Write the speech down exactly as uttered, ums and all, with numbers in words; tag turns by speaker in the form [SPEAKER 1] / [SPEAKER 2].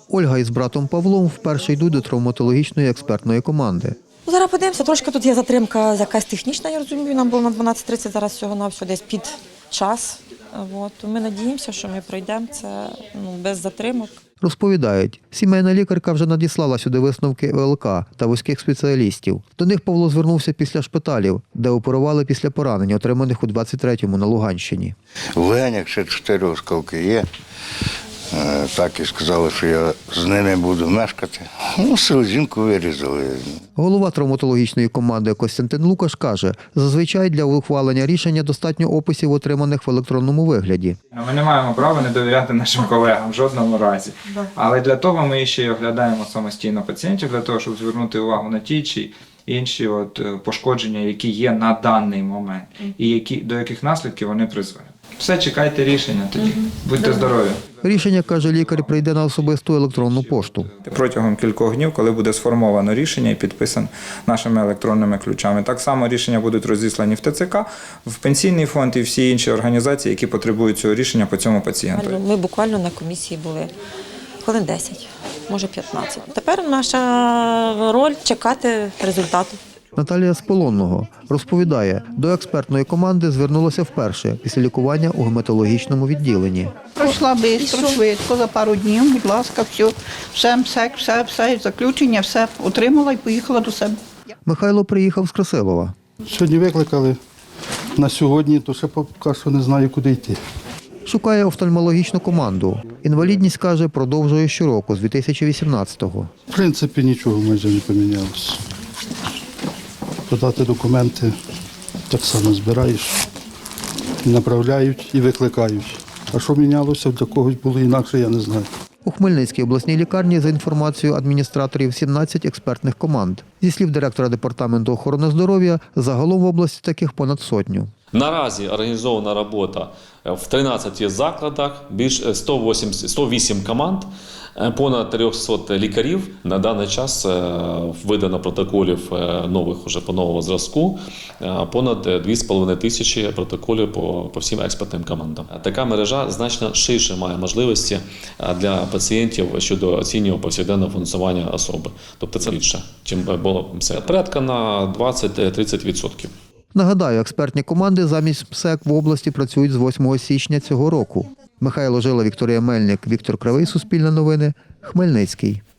[SPEAKER 1] Ольга із братом Павлом вперше йдуть до травматологічної експертної команди.
[SPEAKER 2] Зараз подивимося, трошки тут є затримка якась технічна, я розумію, нам було на дванадцять тридцять, зараз всього-навсього десь під час. От. Ми надіємося, що ми пройдемо це ну, без затримок.
[SPEAKER 1] Розповідають, сімейна лікарка вже надіслала сюди висновки ВЛК та вузьких спеціалістів. До них Павло звернувся після шпиталів, де оперували після поранень, отриманих у двадцять третьому на Луганщині.
[SPEAKER 3] В легенях ще чотири осколки є. Так і сказали, що я з ними буду мешкати. Ну, селезінку вирізали.
[SPEAKER 1] Голова травматологічної команди Костянтин Лукаш каже, зазвичай для ухвалення рішення достатньо описів, отриманих в електронному вигляді.
[SPEAKER 4] Ми не маємо права не довіряти нашим колегам в жодному разі. Але для того ми ще й оглядаємо самостійно пацієнтів, для того, щоб звернути увагу на ті чи інші от пошкодження, які є на даний момент, і які, до яких наслідків вони призводять. Все, чекайте рішення тоді. Будьте здорові.
[SPEAKER 1] Рішення, каже лікар, прийде на особисту електронну пошту.
[SPEAKER 4] Протягом кількох днів, коли буде сформовано рішення і підписано нашими електронними ключами. Так само рішення будуть розіслані в ТЦК, в Пенсійний фонд і всі інші організації, які потребують цього рішення по цьому пацієнту.
[SPEAKER 2] Ми буквально на комісії були хвилин десять, може п'ятнадцять. Тепер наша роль – чекати результату.
[SPEAKER 1] Наталія з Полонного розповідає, до експертної команди звернулася вперше після лікування у гематологічному відділенні.
[SPEAKER 5] Пройшла швидко, швидко, за пару днів, будь ласка, все, все, МСЕК, все, все, заключення, все отримала і поїхала до себе.
[SPEAKER 1] Михайло приїхав з Красилова.
[SPEAKER 6] Сьогодні викликали на сьогодні, то ще поки що не знаю, куди йти.
[SPEAKER 1] Шукає офтальмологічну команду. Інвалідність, каже, продовжує щороку з дві тисячі вісімнадцятого.
[SPEAKER 6] В принципі, нічого майже не помінялося. Подати документи так само збираєш, і направляють, і викликають. А що мінялося, для когось було інакше, я не знаю.
[SPEAKER 1] У Хмельницькій обласній лікарні, за інформацією адміністраторів, сімнадцять експертних команд. Зі слів директора департаменту охорони здоров'я, загалом в області таких понад сотню.
[SPEAKER 7] Наразі організована робота в тринадцяти закладах, більш сто вісім, сто вісім команд, понад триста лікарів. На даний час видано протоколів нових уже по новому зразку, понад дві з половиною тисячі протоколів по, по всім експертним командам. Така мережа значно ширше має можливості для пацієнтів щодо оцінювання повсякденного функціонування особи. Тобто це більше, ніж було МСЕК. Порядка на двадцять-тридцять відсотків.
[SPEAKER 1] Нагадаю, експертні команди замість МСЕК в області працюють з восьмого січня цього року. Михайло Жила, Вікторія Мельник, Віктор Кривий, Суспільне новини, Хмельницький.